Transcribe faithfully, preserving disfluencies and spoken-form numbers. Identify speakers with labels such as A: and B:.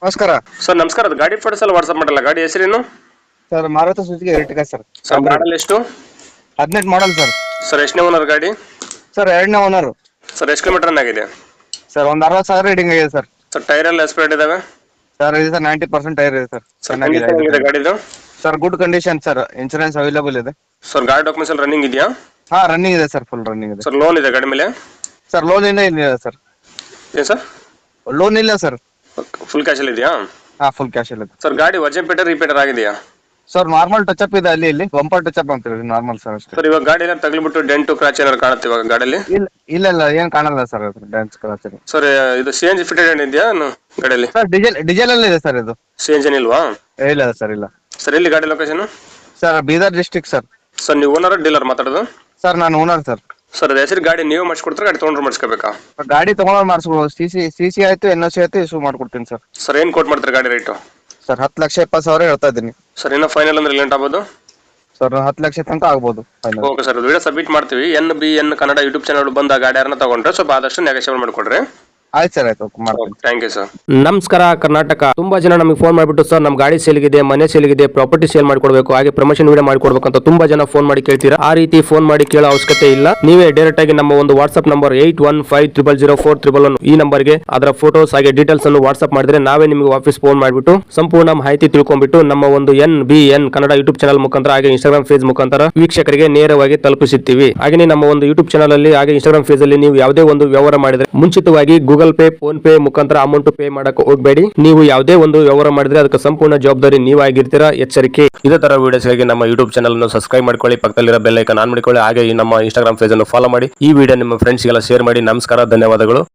A: ನಮಸ್ಕಾರ
B: ಸರ್ ನಮಸ್ಕಾರ. ಅದು ಗಾಡಿ ಫೋಟೋಸ್ ಎಲ್ಲ ವಾಟ್ಸ್ಆಪ್ ಮಾಡಲ್ಲ. ಗಾಡಿ ಹೆಸರೇನು
A: sir? Maruti Suzuki Ertiga sir.
B: Sir model ಎಷ್ಟು?
A: ಹದಿನೆಂಟು ಮಾಡಲ್ ಸರ್.
B: ಸರ್ ಎಷ್ಟನೇ ಓನರ್ ಗಾಡಿ?
A: ಸರ್ ಎರಡನೇ ಓನರ್.
B: ಸರ್ ಎಷ್ಟು ಕಿಲೋಮೀಟರ್ ರನ್ ಆಗಿದೆ?
A: ಸರ್ ಒಂದು ಅರವತ್ತು ಸಾವಿರ ರೀಡಿಂಗ್ ಆಗಿದೆ ಸರ್.
B: ಸರ್ ಟೈರ್ ಎಲ್ಲ ಎಸ್ಪೇಟ್ ಇದಾವೆ?
A: ಸರ್ ಇದೆ ಸರ್, ನೈಂಟಿ ಪರ್ಸೆಂಟ್ ಟೈರ್ ಇದೆ ಸರ್.
B: ಸರ್ ಚೆನ್ನಾಗಿದೆ ಗಾಡಿದು?
A: Sir good condition sir. Insurance available ಇದೆ
B: ಸರ್. ಗಾಡಿ ಡಾಕ್ಯುಮೆಂಟ್ಸ್ ಎಲ್ಲ ರನ್ನಿಂಗ್ ಇದೆಯಾ?
A: ಹಾ ರನ್ನಿಂಗ್ ಇದೆ ಸರ್, ಫುಲ್ ರನ್ನಿಂಗ್ ಇದೆ
B: ಸರ್. ಲೋನ್ ಇದೆ ಗಾಡಿ ಮೇಲೆ?
A: ಸರ್ ಲೋನ್ ಇಲ್ಲ ಇಲ್ಲ ಸರ್.
B: ಏನು ಸರ್?
A: ಲೋನ್ ಇಲ್ಲ ಸರ್.
B: ಫುಲ್ ಕ್ಯಾಶ್ ಅಲ್ಲಿ ಇದೆಯಾ?
A: ಹಾ ಫುಲ್ ಕ್ಯಾಶ್ ಇಲ್ಲ
B: ಸರ್. ಗಾಡಿ ವಜನ್ ಪೇಟರ್ ರಿಪೇಟರ್ ಆಗಿದೆಯಾ?
A: ಸರ್ ನಾರ್ಮಲ್ ಟಚ್ ಅಪ್ ಇದೆ, ಅಲ್ಲಿ ಇಲ್ಲಿ ಬಂಪರ್ ಟಚ್ ಅಪ್ ಅಂತೀವಿ, ನಾರ್ಮಲ್ ಸರ್ ಅಷ್ಟೇ.
B: ಸರ್ ಇವಾಗ ಗಾಡಿ ಎಲ್ಲ ತಗ್ಲಿಬಿಟ್ಟು ಡೆಂಟು ಕ್ರಾಚ್ ಏನಾದ್ರು ಕಾಣುತ್ತೆ ಇವಾಗ ಗಾಡಿಯಲ್ಲಿ?
A: ಇಲ್ಲ ಇಲ್ಲ ಇಲ್ಲ ಏನ್ ಕಾಣಲ್ಲ ಸರ್, ಡ್ಯಾನ್ಸ್ ಕ್ರಾಚ್.
B: ಸರ್ ಇದು ಸಿ ಎನ್ ಜಿ ಫಿಟೆಡ್ ಇದೆಯಾ ಗಾಡಿಯಲ್ಲಿ?
A: ಸರ್ ಡೀಸೆಲ್ ಡೀಸೆಲ್ ಅಲ್ಲಿ ಇದೆ ಸರ್ ಇದು.
B: ಸಿ ಎನ್ ಜಿ ಇಲ್ವಾ?
A: ಇಲ್ಲ ಸರ್ ಇಲ್ಲ.
B: ಸರ್ ಎಲ್ಲಿ ಗಾಡಿ location?
A: Sir Bidar district sir.
B: Sir ನೀವು ಓನರ್ ಡೀಲರ್ ಮಾತಾಡೋದು?
A: ಸರ್ ನಾನು ಓನರ್ ಸರ್.
B: ಸರ್ ಅದು ಹೆಸರು ಗಾಡಿ ನೀವು ಮಾಡಿಸ್ಕೊಡ್ತಾರೆ, ಗಾಡಿ ತೊಗೊಂಡ್ರೆ ಮಾಡಿಸ್ಕೋಬೇಕಾ?
A: ಗಾಡಿ ತಗೊಂಡ್ರೆ ಮಾಡಿಸ್ಬೋದು. ಸಿ ಸಿ ಸಿ ಸಿ ಆಯ್ತು, ಎನ್ ಒ ಸಿ ಆಯ್ತು, ಇಶ್ಯೂ ಮಾಡ್ಕೊಡ್ತೀನಿ ಸರ್.
B: ಸರ್ ಏನು ಕೋಟ್ ಮಾಡ್ತಾರೆ ಗಾಡಿ ರೇಟು?
A: ಸರ್ ಹತ್ತು ಲಕ್ಷ ಎಪ್ಪತ್ತು ಸಾವಿರ ಹೇಳ್ತಾ ಇದ್ದೀನಿ
B: ಸರ್. ಇನ್ನೂ ಫೈನಲ್ ಅಂದ್ರೆ ಲೇಟ್ ಆಗ್ಬೋದು
A: ಸರ್, ಹತ್ತು ಲಕ್ಷ ತನಕ ಆಗ್ಬೋದು final.
B: Okay sir. Video submit ಮಾಡ್ತೀವಿ. N B N Kannada YouTube channel ಬಂದ ಗಾಡಿ ಯಾರನ್ನ ತಗೊಂಡ್ರೆ ಸ್ವಲ್ಪ ಆದಷ್ಟು ನೆಗೋಷಿಯೇಟ್ ಮಾಡಿಕೊಡ್ರಿ.
A: ಆಯ್ತು ಸರ್, ಆಯ್ತು ಮಾಡ್ತೀನಿ.
B: Thank you sir.
C: ನಮಸ್ಕಾರ ಕರ್ನಾಟಕ. ತುಂಬಾ ಜನ ನಮಗೆ ಫೋನ್ ಮಾಡಿಬಿಟ್ಟು ಸರ್ ನಮ್ಮ ಗಾಡಿ ಸೇಲ್ಗಿದೆ, ಮನೆ ಸೇಲ್ಗಿದೆ, ಪ್ರಾಪರ್ಟಿ ಸೇಲ್ ಮಾಡ್ಕೊಡ್ಬೇಕು, ಹಾಗೆ ಪ್ರಮೋಷನ್ ವಿಡಿಯೋ ಮಾಡ್ಕೊಡ್ಬೇಕು ಅಂತ ತುಂಬಾ ಜನ ಫೋನ್ ಮಾಡಿ ಕೇಳ್ತೀರಾ. ಆ ರೀತಿ ಫೋನ್ ಮಾಡಿ ಕೇಳೋ ಅವಶ್ಯಕತೆ ಇಲ್ಲ. ನೀವೇ ಡೈರೆಕ್ಟ್ ಆಗಿ ನಮ್ಮ ಒಂದು WhatsApp number eight one five triple zero four triple one ಈ ನಂಬರ್ಗೆ ಅದರ ಫೋಟೋಸ್ ಹಾಗೆ ಡೀಟೇಲ್ಸ್ ಅನ್ನು ವಾಟ್ಸ್ಆಪ್ ಮಾಡಿದ್ರೆ ನಾವೇ ನಿಮಗೆ ವಾಪಸ್ ಫೋನ್ ಮಾಡಿಬಿಟ್ಟು ಸಂಪೂರ್ಣ ಮಾಹಿತಿ ತಿಳ್ಕೊಂಡ್ಬಿಟ್ಟು ನಮ್ಮ ಒಂದು N B N Kannada YouTube channel ಮುಖಾಂತರ ಹಾಗೆ ಇನ್ಸ್ಟಾಗ್ರಾಮ್ ಪೇಜ್ ಮುಖಾಂತರ ವೀಕ್ಷಕರಿಗೆ ನೇರವಾಗಿ ತಲುಪಿಸುತ್ತೀವಿ. ಹಾಗೆ ನಮ್ಮ ಒಂದು ಯೂಟ್ಯೂಬ್ ಚಾನಲ್ ಅಲ್ಲಿ ಹಾಗೆ ಇನ್ಸ್ಟಾಗ್ರಾಮ್ ಪೇಜ್ ಅಲ್ಲಿ ನೀವು ಯಾವುದೇ ಒಂದು ವ್ಯವಹಾರ ಮಾಡಿದ್ರೆ ಮುಂಚಿತವಾಗಿ ಗೂಗಲ್ ಪೇ, ಫೋನ್ ಪೇ ಮುಖಾಂತರ ಅಮೌಂಟ್ ಪೇ ಮಾಡಕ್ಕೆ ಹೋಗಬೇಡಿ. ನೀವು ಯಾವುದೇ ಒಂದು ವ್ಯವಹಾರ ಮಾಡಿದ್ರೆ ಅದಕ್ಕೆ ಸಂಪೂರ್ಣ ಜವಾಬ್ದಾರಿ ನೀವಾಗಿರ್ತೀರಾ, ಎಚ್ಚರಿಕೆ. ಇದೇ ತರ ವಿಡಿಯೋಸ್ಗಾಗಿ ನಮ್ಮ ಯೂಟ್ಯೂಬ್ ಚಾನಲ್ ಅನ್ನು ಸಬ್ಸ್ಕ್ರೈಬ್ ಮಾಡ್ಕೊಳ್ಳಿ, ಪಕ್ಕದಲ್ಲಿರೋ ಬೆಲ್ ಐಕಾನ್ ಆನ್ ಮಾಡಿಕೊಳ್ಳಿ, ಹಾಗೆ ನಮ್ಮ ಇನ್ಸ್ಟಾಗ್ರಾಮ್ ಪೇಜ್ ಅನ್ನು ಫಾಲೋ ಮಾಡಿ. ಈ ವಿಡಿಯೋ ನಿಮ್ಮ ಫ್ರೆಂಡ್ಸ್ಗೆಲ್ಲ ಶೇರ್ ಮಾಡಿ. ನಮಸ್ಕಾರ, ಧನ್ಯವಾದಗಳು.